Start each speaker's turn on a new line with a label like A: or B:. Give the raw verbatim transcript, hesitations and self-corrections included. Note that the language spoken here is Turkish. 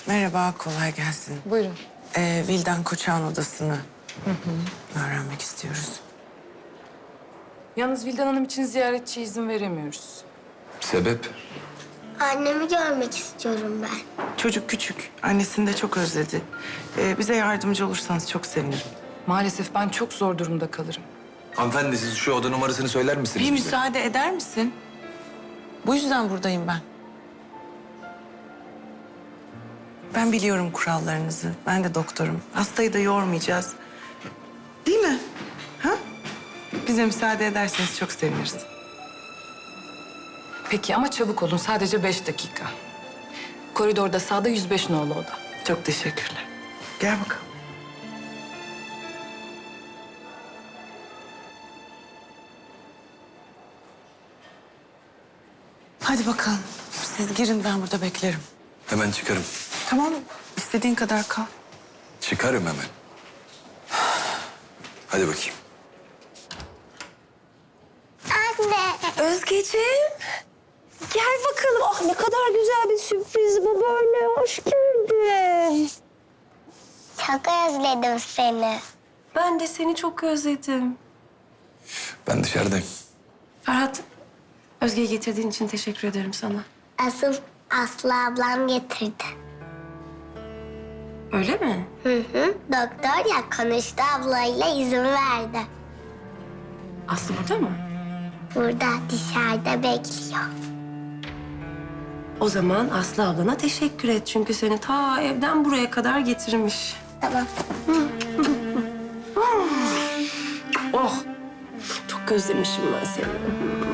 A: Merhaba, kolay gelsin.
B: Buyurun.
A: Ee, Vildan Koçak'ın odasını hı hı. öğrenmek istiyoruz.
B: Yalnız Vildan Hanım için ziyaretçiye izin veremiyoruz.
C: Sebep?
D: Annemi görmek istiyorum ben.
A: Çocuk küçük, annesini de çok özledi. Ee, bize yardımcı olursanız çok sevinirim.
B: Maalesef ben çok zor durumda kalırım.
C: Hanımefendi siz şu oda numarasını söyler misiniz
A: Bir
C: bize?
A: müsaade eder misin? Bu yüzden buradayım ben. Ben biliyorum kurallarınızı. Ben de doktorum. Hastayı da yormayacağız. Değil mi? Ha? Bize müsaade ederseniz çok seviniriz.
B: Peki ama çabuk olun. Sadece beş dakika. Koridorda sağda yüz beş nolu oda.
A: Çok teşekkürler. Gel bakalım. Hadi bakalım. Siz girin, ben burada beklerim.
C: Hemen çıkarım.
A: Tamam, istediğin kadar kal.
C: Çıkarım hemen. Hadi bakayım.
D: Anne.
E: Özgeciğim. Gel bakalım. Ah ne kadar güzel bir sürpriz bu böyle. Hoş geldin.
D: Çok özledim seni.
E: Ben de seni çok özledim.
C: Ben dışarıdayım.
E: Ferhat, Özge'yi getirdiğin için teşekkür ederim sana.
D: Asıl Aslı ablam getirdi.
E: Öyle mi?
D: Hı hı. Doktor ya konuştu ablayla izin verdi.
E: Aslı burada mı?
D: Burada dışarıda bekliyor.
E: O zaman Aslı ablana teşekkür et. Çünkü seni ta evden buraya kadar getirmiş.
D: Tamam.
E: Oh! Çok özlemişim ben seni.